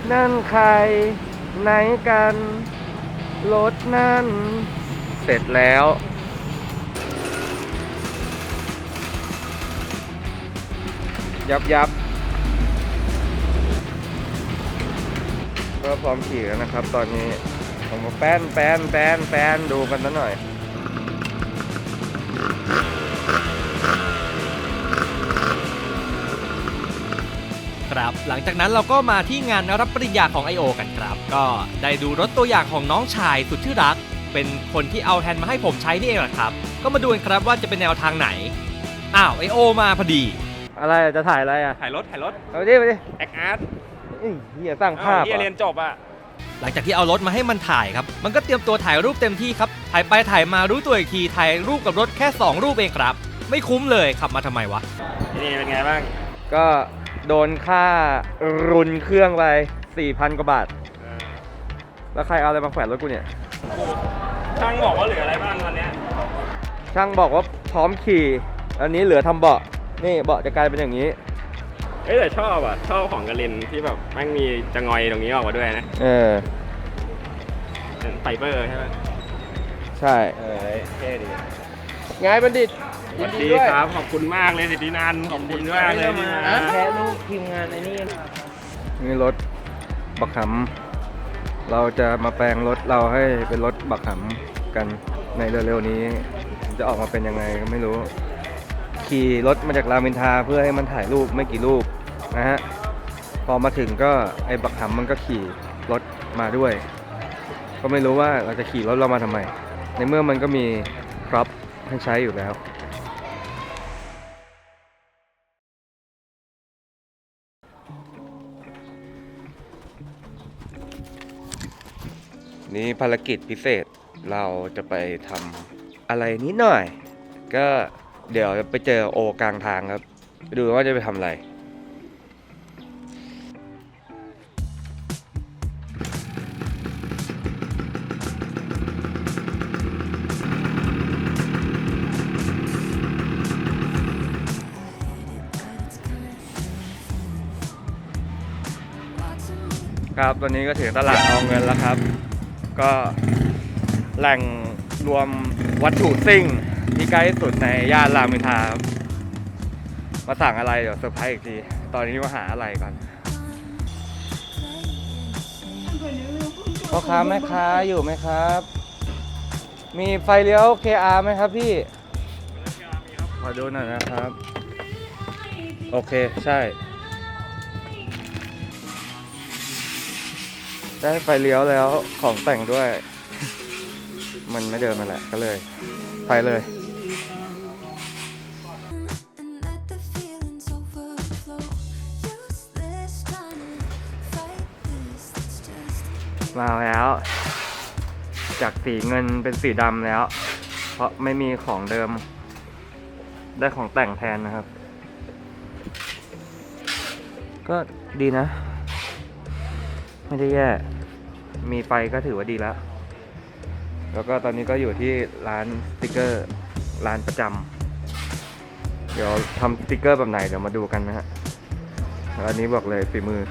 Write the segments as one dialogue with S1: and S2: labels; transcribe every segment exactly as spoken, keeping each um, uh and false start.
S1: นั่นใครไหนกันรถนั่นเสร็จแล้วยับยับก็พร้อมขี่แล้วนะครับตอนนี้ผมมาแป้นแป้นแป้นแป้นดูกันสักหน่อย
S2: ครับหลังจากนั้นเราก็มาที่งานรับปริญญาของ ไอ โอ กันครับก็ได้ดูรถตัวอย่างของน้องชายสุดที่รักเป็นคนที่เอาแฮนด์มาให้ผมใช้นี่เองแหละครับก็มาดูกันครับว่าจะเป็นแนวทางไหนอ้าว ไอ โอ มาพอดี
S1: อะไรจะถ่ายอะไรอ่ะ
S3: ถ่ายรถถ่ายรถ
S1: เอาดิไปดิ
S3: แอคอาร์ต
S1: เฮียสร้างภาพ
S3: เฮียเรียนจบอ่ะ
S2: หลังจากที่เอารถมาให้มันถ่ายครับมันก็เตรียมตัวถ่ายรูปเต็มที่ครับถ่ายไปถ่ายมารู้ตัวอีกทีถ่ายรูปกับรถแค่สองรูปเองครับไม่คุ้มเลยขับมาทำไมวะ
S3: นี่เป็นไงบ้าง
S1: ก็โดนค่ารุนเครื่องไป สี่พัน กว่าบาทแล้วใครเอาอะไรมาแขวนรถกูเนี่ย
S3: ช่างบอกว่าเหลืออะไรบ้างตอนนี้
S1: ช่างบอกว่าพร้อมขี่อันนี้เหลือทำเบาะนี่เบาะจะกลายเป็นอย่างนี้
S3: เอ้ยแต่ชอบอ่ะชอบของกระลินที่แบบแม่งมีจะงอยตรงนี้ออกมาด้วยนะ
S1: เออ
S3: ไฟเบอร์ใช่ไหม
S1: ใช่
S3: เออเท่ดี
S1: ไงบัณฑิต
S3: สวัสดีครับขอบคุณมากเลยสิทธินันขอบคุณมากเลย
S1: แค่ลูกทีมงานไอ้นี่นี่รถบักหำเราจะมาแปลงรถเราให้เป็นรถบักหำกันในเร็วๆนี้จะออกมาเป็นยังไงก็ไม่รู้ขี่รถมาจากรามอินทราเพื่อให้มันถ่ายรูปไม่กี่รูปนะฮะพอมาถึงก็ไอ้บักหำมันก็ขี่รถมาด้วยก็ไม่รู้ว่าเราจะขี่รถเรามาทำไมในเมื่อมันก็มีพร็อพให้ใช้อยู่แล้วนี่ภารกิจพิเศษเราจะไปทำอะไรนิดหน่อยก็เดี๋ยวไปเจอโอกลางทางครับไปดูว่าจะไปทำอะไรครับตอนนี้ก็ถึงตลาดเอาเงินแล้วครับก็แหล่งรวมวัตถุซิ่งที่ใกล้ที่สุดในย่านรามอินทราครับมาสั่งอะไรเดี๋ยวเซอร์ไพรส์อีกทีตอนนี้มาหาอะไรกันพ่อค้าแม่ค้าอยู่ไหมครับมีไฟเลี้ยว เค อาร์ ไหมครับพี่ขอดูหน่อยนะครับโอเคใช่ได้ไฟเลี้ยวแล้วของแต่งด้วยมันไม่เดินมาแหละก็เลยไปเลยมาแล้วจากสีเงินเป็นสีดำแล้วเพราะไม่มีของเดิมได้ของแต่งแทนนะครับก็ดีนะไม่ได้แย่มีไฟก็ถือว่าดีแล้วแล้วก็ตอนนี้ก็อยู่ที่ร้านสติกเกอร์ร้านประจำเดี๋ยวทำสติกเกอร์แบบไหนเดี๋ยวมาดูกันนะฮะอันนี้บอกเลยฝีมือ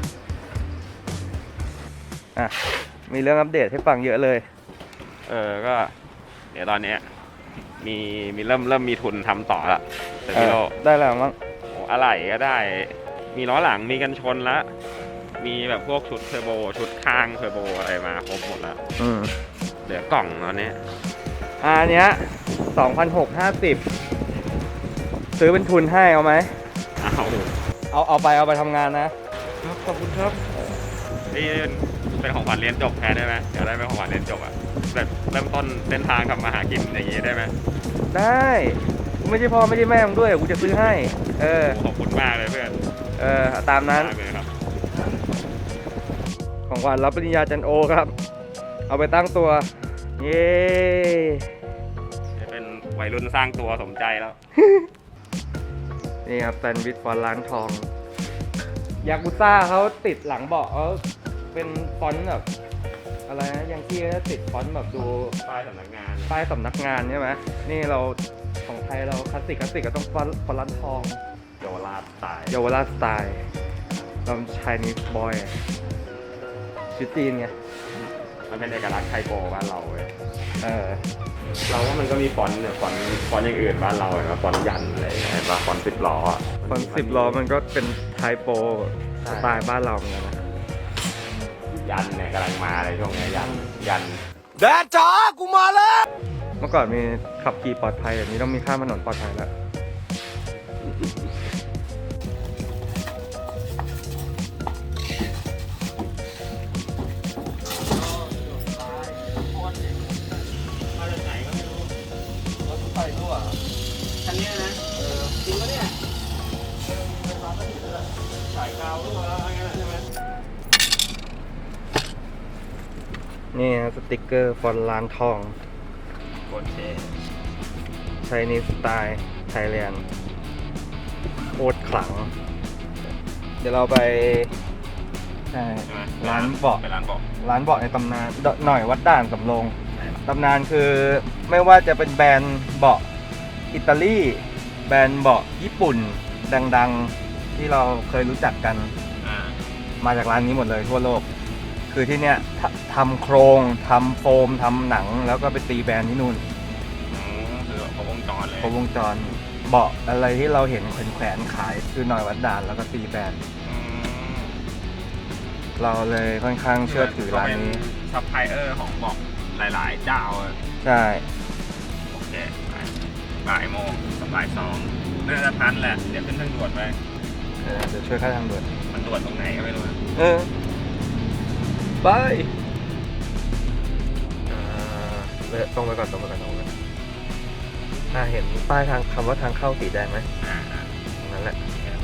S1: อ่ะมีเรื่องอัปเดตให้ฟังเยอะเลย
S3: เออก็เดี๋ยวตอนนี้มีมีเริ่มเริ่มมีทุนทำต่อละแต่พี่โล
S1: ได้แล้วมั้ง
S3: อะไรก็ได้มีล้อหลังมีกันชนแล้วมีแบบพวกชุดเทอร์โบชุดข้างเทอร์โบอะไรมาครบหมดแล้ว
S1: อืม
S3: เหลือกล่องตอนนี้
S1: อันเนี้ย สองพันหกร้อยห้าสิบ ซื้อเป็นทุนให้เอาไหม
S3: เอา
S1: เอาเอาไปเอาไปทำงานนะ
S3: ขอบคุณครับนี่เป็นของขวัญเรียนจบแทนได้ไหมเดี๋ยวได้เป็นของขวัญเรียนจบอ่ะแบบเริ่มต้นเส้นทางทำมาหากินอย่างนี้ได้ไหม
S1: ได้กูไม่ใช่พ่อไม่ใช่แม่มึงด้วยกูจะซื้อให้เออ
S3: ขอบคุณมากเลยเพื่อน
S1: เออตามนั้นของขวัญรับปริญญาจันโอครับเอาไปตั้งตัวเย้
S3: เป็นวัยรุ่นสร้างตัวสมใจแล้ว
S1: นี่ครับแซนด์วิชฟอนต์ล้างทองยากุซ่าเขาติดหลังเบาะเขาเป็นฟอนต์แบบอะไรนะยังที่เขาติดฟอนต์แบบดู
S3: ป้ายสำนักงาน
S1: ป้ายสำนักงานใช่ไหมนี่เราของไทยเราคลาสสิกคลาสสิกก็ต้องฟอนต์ฟอนต์ล้างทอง
S3: เยาวราชสไตล์
S1: เยาวราชสไตล์เราชายนิสบอยชุดจีนไง
S3: มันเป็นเอกลักษณ์ไทโปบ้านเราเว้ย
S1: เออ
S3: เราว่ามันก็มีฟอนต์เนี่ยฟอนต์ฟอนต์อย่างอื่นบ้านเราเห็นป่ะฟอนต์ยันอะไรอย่างเงี้ยเห็นป่ะฟอนต์สิบล้ออะ
S1: ฟอนต์สิบล้อมันก็เป็นไทโปสไตล์บ้านเราเหมือนกันนะ
S3: ยันเนี่ยกำลังมาเลยช่วงเนี้ยยันยัน
S1: แดดจ้ากูมาแล้ว เมื่อก่อนมีขับขี่ปลอดภัยแบบนี้ต้องมีข้ามถนนปลอดภัยแล้ว
S2: คันนี้นะเออจริงปะเนี่ยสายกาวรั่วแล้วอะไรเงี้ยใช่ไหม
S1: นี่ฮะสติกเกอร์ฟอนต์ร้านทอง
S3: โคตรเท่
S1: ไชนีสไตล์ไทยแลนด์โคตรขลัง เดี๋ยวเราไปใช่
S3: ใช่ไหม
S1: ร้านเบาะ
S3: ไปร้านเบาะ
S1: ร้านเบาะในตำนานดหน่อยวัดด่านสำโรงตำนานคือไม่ว่าจะเป็นแบรนด์เบาะอิตาลีแบรนด์เบาะญี่ปุ่นดังๆที่เราเคยรู้จักกัน
S3: อ่า
S1: มาจากร้านนี้หมดเลยทั่วโลก คือที่เนี้ยททำโครงทำโฟมทำหนังแล้วก็ไปตีแบรนด์ที่นู่น
S3: อืมคือแบบครบวงจรเลย
S1: ครบวงจรเบาะอะไรที่เราเห็นแขวนๆขายคือหน่อยวัดด่านแล้วก็ตีแบรนด์
S3: อืม
S1: เราเลยค่อนข้างเชื่อถือร้านนี้
S3: ซัพพลายเออร์ของเบาะหลายๆเจ้าอะ
S1: ใช่
S3: โอเคไปบ่ายโมงกับบ่ายสองน่าจะทันแหละ เดี๋ยวขึ้นทางด่วนไป
S1: เออเดี๋ยวช่วยค่าทางด่วน
S3: มันด่วนตรงไหนก็ไม่รู้นะ
S1: เออไปอ่าเลยตรงไปก่อนตรงไปก่อนตรงไปก่อนอ่าเห็นป้ายทางคำว่าทางเข้าสีแดงไหม
S3: อ่าอ่า
S1: ตรงนั้นแหละ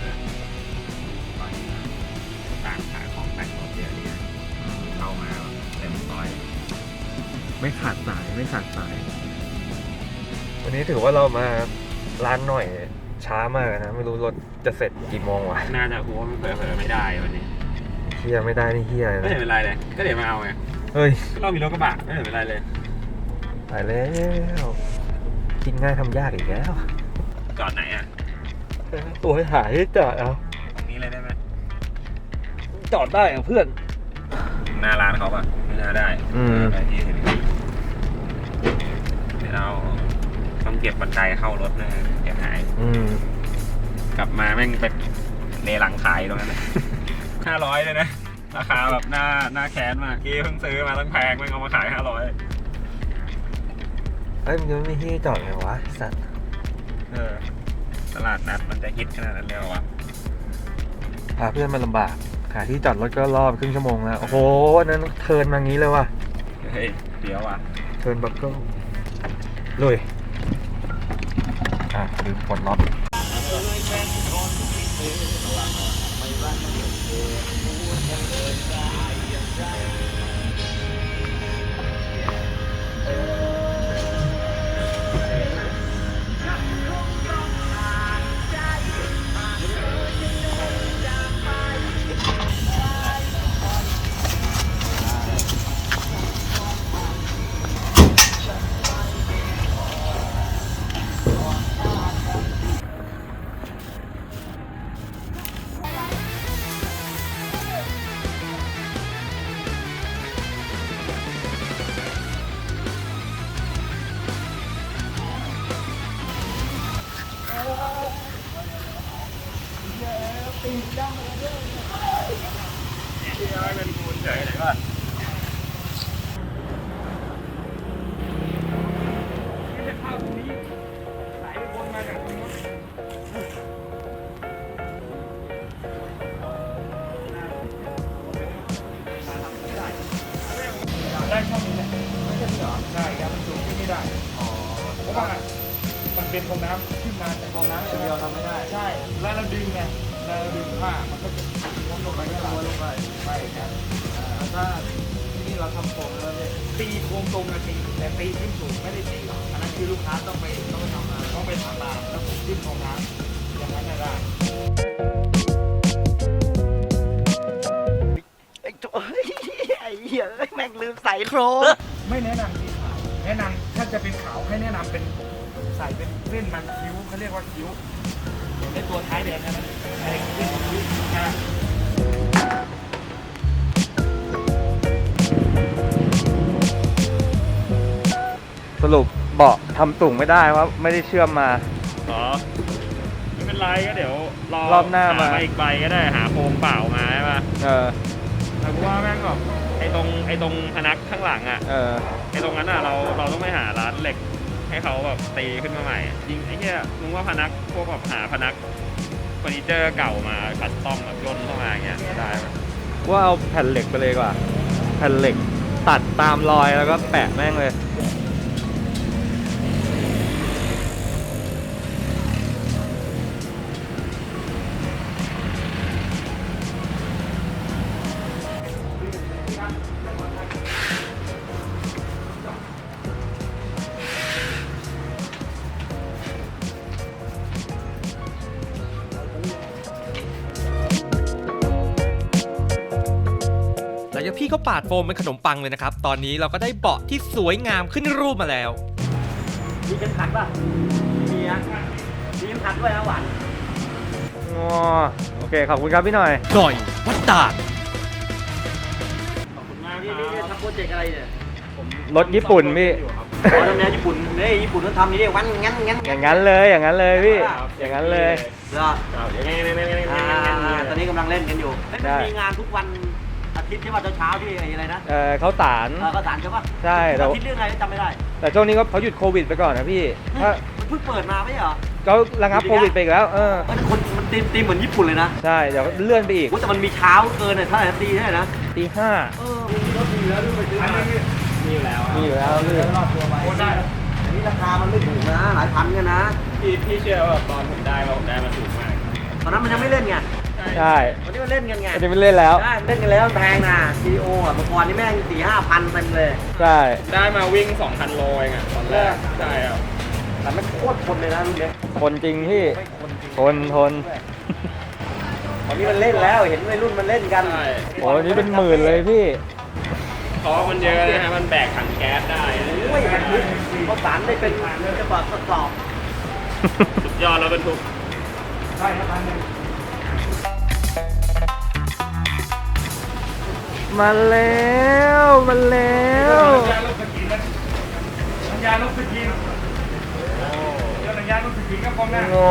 S3: ต่างขายของแต่งรถเยอะดีนะเข้ามาเต็มซอย
S1: ไม่ขาดสายไม่ขาดสาย วันนี้ถือว่าเรามาร้านหน่อยช้ามากนะ ไม่รู้รถจะเสร็จกี่โมงวะ
S3: น่าจะกูว่ามันเผลอๆไม่ได้วันนี้
S1: เฮียไม่ได้นี่เฮีย
S3: ไม่
S1: นะ
S3: เห็นเป็นไรเลย ก็เดี๋ยวมาเอาไง
S1: เฮ้ย
S3: เรามีรถกระบะไม่เห็นเป็นไรเลย
S1: ตายแล้วกินง่ายทำยากอีกแล้ว
S3: จอดไหนอ่ะ
S1: ตัวให้หายจอดเอา
S3: ตรงนี้เลยได้ไหม
S1: จอดได้อะเพื่อน
S3: หน้าร้านเขาป่ะไม่น่าได้
S1: อืม
S3: ไปที่อื่นเดี๋ยวเราต้องเก็บบันไดเข้ารถนะเดี๋ยวหาย
S1: อืม
S3: กลับมาแม่งเป็นเลหลังขายตรงนั้นนะ ห้าร้อยเลยนะ ราคาแบบหน้าหน้าแค้นมากกี้เพิ่งซื้อมาตั้งแพงแม่งเอามาขายห้าร้อย
S1: เอ้ยมันจะไม่มีที่จอดไงวะไอ้สัตว์
S3: เออตลาดนัดมันจะฮิตขนาดนั้นเลยเหรอวะ
S1: พาเพื่อนมาลำบากหาที่จอดรถก็รอบครึ่งชั่วโมงแล้ว โอ้โหอันนั้นเทิร์นมางี้เลยว่ะ
S3: เฮ้ยเดี๋ยวอ่ะ
S1: เทิร์นบัคเกิลลุยอ่ะลืมปลดล็อก
S4: ได้ช่องนี้แหละไม่ใช่เหรอใช่ครับมันสูงขึ้นไม่ได้อ๋อเพราะว่ามันเป็นฟองน้ำขึ้นมาแต่ฟองน้ำอย่างเดียวทำไม่ได้ใช่แล้วเราดึงไงเราดึงผ้ามันก็จะล้มลงไปก็ล้มลงไปใช่ครับถ้าที่นี่เราทำโครงแล้วเนี่ยตีโครงตรงนะตีแต่ตีขึ้นสูงไม่ได้ตีหรอกอันนั้นคือลูกค้าต้องไปต้องไปทำมาต้องไปทำตามแล้วผมขึ้นฟองน้ำอย่างนั้นได้
S5: ไอ้โจ้เฮ้ยไอ้เหี้ยเอ้ยแม่งลืมใส่โครง
S4: ไม่แนะนำสีขาวแนะนำถ้าจะเป็นขาวให้แนะนำเป็นใส่เป็นเส้นมันคิ้วเขาเรียกว่าคิ้วในตัวท้ายแดงนะมันไอ้เส้นคิ้วนะ
S1: สรุปเบาะทำสูงไม่ได้เพราะไม่ได้เชื่อมมา
S3: อ๋อไม่เป็นไรก็เดี๋ยวรอ
S1: รอบหน้ามา
S3: อีกใบก็ได้หาโครงเปล่ามาใช่ป่ะ
S1: เออ
S3: แต่กูว่าแม่งแบบไอ้ตรงไอ้ตรงพนักข้างหลังอ่ะ
S1: เออ
S3: ไอ้ตรงนั้นอ่ะเราเราต้องไปหาร้านเหล็กให้เขาแบบตีขึ้นมาใหม่จริงไอ้เหี้ยมึงว่าพนักพวกแบบหาพนักเฟอร์นิเจอร์เก่ามาคัสตอมแบบย่นเข้ามาอย่างเงี้ยได้ไหม
S1: ว่าเอาแผ่นเหล็กไปเลยดีกว่า แผ่นเหล็กตัดตามรอยแล้วก็แปะแม่งเลย
S2: หลังจากพี่เขาปาดโฟมเป็นขนมปังเลยนะครับ ตอนนี้เราก็ได้เบาะที่สวยงามขึ้นรูปมาแล้ว
S5: มีเข็มขัดป่ะมีอ่ะมีเข็มขัดด้วยนะหวาน
S1: อ๋อ โอเค ขอบคุณครับพี่หน่อย
S2: หน่อยวัดดาด
S3: ขอบคุณมาก
S5: นี่
S3: ค
S5: นี่
S3: รับ
S5: ทำโปรเจกต์อะไรเนี่ย
S1: รถญี่ปุ่นพี่
S5: อ๋อทำแนวญี่ปุ่นเนี่ยญี่ปุ่นเขาทำนี่เรียกวันงั้นงั้น
S1: อย่างนั้นเลย อย่างนั้นเลยพี่ อย่างนั้นเลย
S5: เหรอ
S3: เอาอย่างงี้นี่นี่นี่
S5: อ่า
S3: นี่
S5: ตอนนี้กำลังเล่นกันอยู่เฮ้ยมันมีงานทุกวันอาทิตย์ใช่ป่ะเช้าๆที่ไอ้อะไรนะ
S1: เออเขาสาร
S5: เออก็สารใช่ป่ะ
S1: ใช่แต่
S5: อาทิตย์เรื่องอะไรก็จำไม่ได้
S1: แต่ช่วงนี้ก็เขาหยุดโควิดไปก่อนนะพี่ ถ้า
S5: มันเพิ่งเปิดมาไม่ใช่เหรอ
S1: เขาระงับโควิดไปอีกแล้ว เออ
S5: เออแต่คนมันตีมตีมเหมือนญี่ปุ่นเลยนะ
S1: ใช่ เดี๋ยวเลื่อนไปอีก
S5: โอ้แต่มันมีเช้าเกินเลยเท่าไหร่นาทีเท่าไหร่นะ
S1: ตีห้า
S5: เออมีรถมีแล้วด้วยไปซื้อมา
S3: มีอยู่แล้ว
S1: มีอยู่แล้วพี่
S5: รอดตัวไปอันนี้ราคามันไม่ถูกนะหลายพันกันนะ
S3: พี่พี่เชื่อว่าตอนผมได้ว่าผมได้มาถูกมาก
S5: ตอนนั้นมันยังไม่เล่นไง
S1: ใช่
S5: วันนี้มันเล่นกันไง
S1: อันนี้ไม่เล่นแล้ว
S5: ได้เล่นกันแล้วแพงนะซีโออ่ะเมื่อก่อนนี่แม่งสี่ห้าพันเต็มเลย
S1: ใช่
S3: ได้มาวิ่งสองพันโลเองอะตอนแรกใช่ครับ
S5: แต่ไม่โคตรคนเลยนะรุ่นเนี้ย
S1: คนจริงพี่ ทนทน
S5: ตอนนี้มันเล่นแล้วเห็นวัยรุ่นมันเล่นกัน
S3: ใช่
S1: โอ้ยนี่เป็นหมื่นเลยพี่
S3: เพราะมันเยอะนะฮะมันแบกถังแก๊สได้
S5: โอ้ยมันทุกเขาสารได้เป็นจะบอกทดสอบ
S3: สุดยอดแล้วบรรทุก
S1: มาแล้วมาแล้ว
S4: ยาลบสกินนะยาลบสกินเดี๋ยวหนังยาลบสกินก็พร้อมหน้า
S1: งอ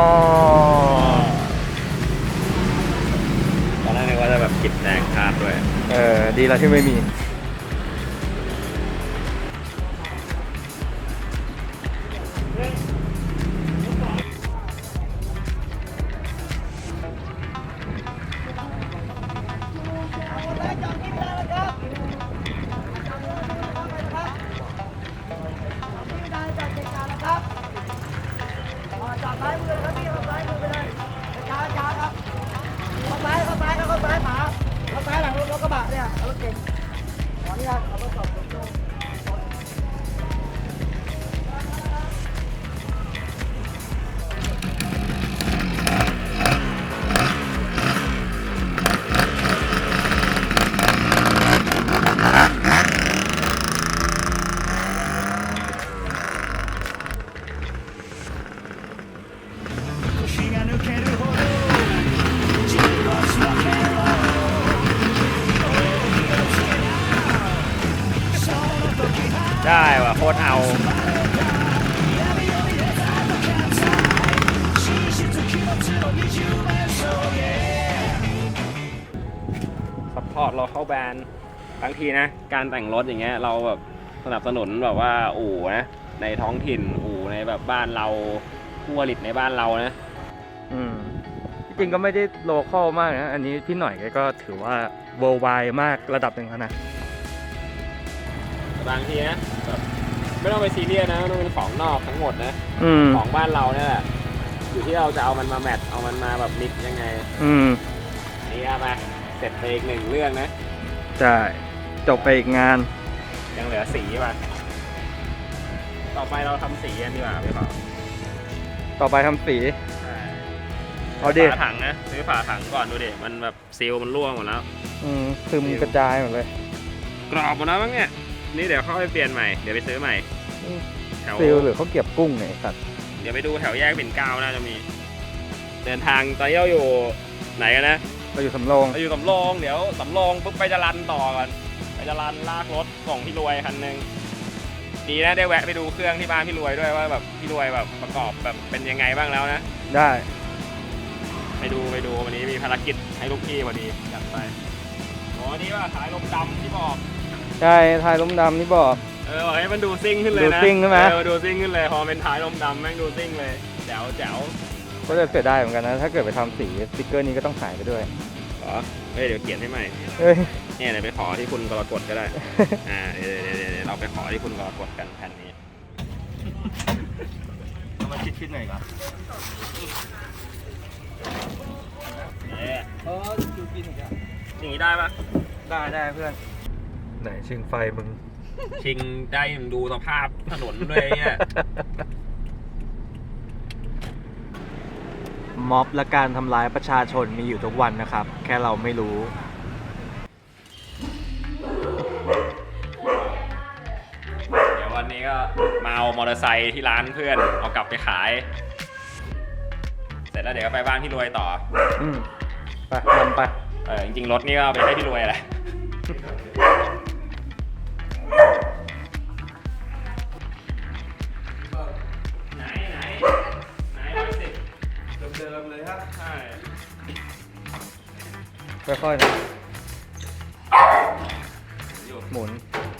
S3: ตอนแรกนึกว่าจะแบบกิดแรงคาดด้วย
S1: เออ ดีแล้วที่ไม่มี
S5: จอดซ้ายมือเลยครับพี่เข้าซ้ายมือไปเลยช้าช้าครับเข้าซ้ายเข้าซ้ายเข้าซ้ายหมาเข้าซ้ายหลังรถกระบะเนี่ยรถเก๋งขออนุญาตเอาทดสอบตรง
S3: ได้ว่ะโคตรเอาซัพพอร์ตเราเข้าแบรนด์บางทีนะ การแต่งรถอย่างเงี้ยเราแบบสนับสนุนแบบว่าอู่นะในท้องถิ่นอู่ในแบบบ้านเราผู้ผลิตในบ้านเรานะ
S1: อืมจริงๆก็ไม่ได้โลคอลมากนะ อันนี้พี่หน่อยแกก็ถือว่า worldwide มากระดับหนึ่งแล้วนะ
S3: บางทีนะแบบไม่ต้องไปซีเรียสนะต้องเป็นของนอกทั้งหมดนะ
S1: อืม
S3: ของบ้านเราเนี่ยแหละอยู่ที่เราจะเอามันมาแมทเอามันมาแบบมิกซ์ยังไง
S1: อืม
S3: นี่เอามาเสร็จไปอีกหนึ่งเรื่องนะ
S1: ใช่ จบไปอีกงาน
S3: ยังเหลือสีป่ะต่อไปเราทำสีกันดีกว่าพี่เปา
S1: ต่อไปทำสี เอาดิ
S3: ฝาถังนะซื้อฝาถังก่อนดูดิมันแบบซีลมันร่วงหมดแล้ว
S1: อืมซึมกระจายหมดเลย
S3: กรอบหมดแล้วมั้งเนี่ยนี่เดี๋ยวเข้าไปเปลี่ยนใหม่เดี๋ยวไปซื้อใหม่แถว
S1: ซิลหรือเขาเก็บกุ้งเนี่ยไอ้สัตว์
S3: เดี๋ยวไปดูแถวแยกปิ่นเกล้าน่าจะมี เดินทางตอนนี้เราอยู่ไหนกันนะ
S1: เราอยู่สำโรง
S3: เราอยู่สำโรงเดี๋ยวสำโรงปุ๊บไปจรันต่อก่อนไปจรันลากรถส่งพี่รวยคันหนึ่งดีนะได้แวะไปดูเครื่องที่บ้านพี่รวยด้วยว่าแบบพี่รวยแบบประกอบแบบเป็นยังไงบ้างแล้วนะ
S1: ได้
S3: ไปดูไปดูวันนี้มีภารกิจให้ลูกพี่พอดีจัดไปโอ้นี่ว่าสายลมดำที่บอก
S1: ใช่ท้ายลมดำนี่บอก
S3: เออบอกให้มันดูซิ่งขึ้นเลยนะ
S1: ดูซิ่งใช่ไหม
S3: เออดูซิ่งขึ้นเลยพอเป็นท้ายลมดำแม่งดูซิ่งเลยแจ๋วแจ๋ว
S1: ก็จะเสียดายเหมือนกันนะ ถ้าเกิดไปทำสีสติ๊กเกอร์นี้ก็ต้องหายไปด้วย
S3: เหรอเฮ้ยเดี๋ยวเขียนให้ใหม่
S1: เฮ้ย
S3: เนี่ยเดี๋ยวไปขอที่คุณกรกฎก็ได้ อ่าเดี๋ยวเดี๋ยวเดี๋ยวเดี๋ยวเราไปขอที่คุณกรกฎกันแผ่นนี้
S1: เอามาคิดๆหน่อยก่อน
S3: เนี่ย
S1: เออดูกินอีกอ่ะ
S3: อย่างนี้ได้ปะ
S1: ได้ได้เพื่อน ไหนชิงไฟมึง
S3: ชิงได้ดูสภาพถนนด้วยเนี่ย
S2: ม็อบและการทำร้ายประชาชนมีอยู่ทุกวันนะครับ แค่เราไม่รู้
S3: เดี๋ยววันนี้ก็มาเอามอเตอร์ไซค์ที่ร้านเพื่อนเอากลับไปขาย เสร็จแล้วเดี๋ยวก็ไปบ้านพี่รวยต่อ
S1: อืมไปนำไป
S3: เออจริงๆรถนี่ก็เอาไปให้พี่รวยแหละ ไหนไหนไหนร้อยสิบ
S1: เดิมๆเลยครับ
S3: ใช่
S1: ค่อยๆนะหมุน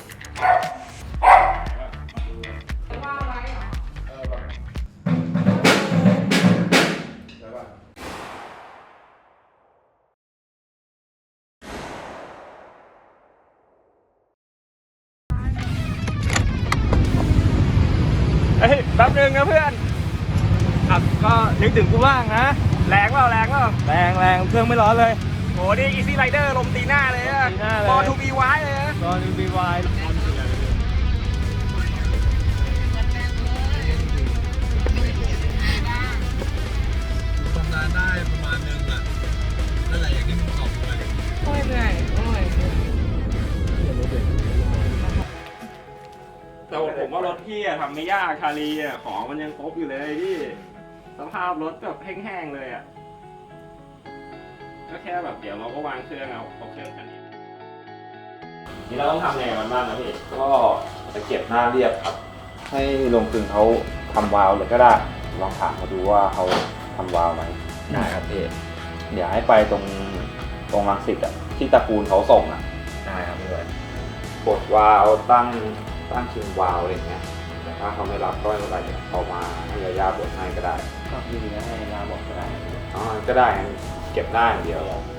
S3: เฮ้ยแป๊บนึงนะเพื่อน
S1: ครับก็นึกถึงกูบ้างนะ
S3: แรงเปล่าแรงเปล่า
S1: แรงแรงเครื่องไม่ร้อนเลย
S3: โหนี่ Easy Rider ลมตีหน้าเลยอะ
S1: ตีหน้าเลย
S3: บอทูบีไว้เลยนะ
S1: ตอนนี้บีวาย
S6: ทำงานได้ประมาณนึงอ่ะนั่นแหละอย่างที่มึงบอกไป
S5: โอ้ยเหนื่อยโอ้ย
S3: แต่ผมว่ารถพี่อะทำไม่ยากคารีอะของมันยังครบอยู่เลยพี่สภาพรถแบบแห้งๆเลยอะก็แค่แบบเดี๋ยวเราก็วางเครื่องเอาเอาเครื่องคันนี้นี่เราต้องทำยังไงมันบ้างนะพี่
S7: ก็จะเก็บหน้าเรียบครับ ให้โรงกลึงเขาทำวาล์วเลยก็ได้ ลองถามเขาดูว่าเขาทำวาล์วไหมได้ครับพี่เดี๋ยวให้ไปตรงตรงรังสิตอ่ะที่ตระกูลเขาส่งอ่ะได้ครับพี่เลยกดวาล์วตั้งตั้งชิงวาล์วอะไรอย่างเงี้ยแต่ถ้าเขาไม่รับก็ไม่เป็นไรเดี๋ยวเขามาให้ยาย่าบดให้ก็ได้ก็พี่ให้ยาย่าบดก็ได้อ๋อก็ได้งั้นเก็บหน้าอย่างเดียว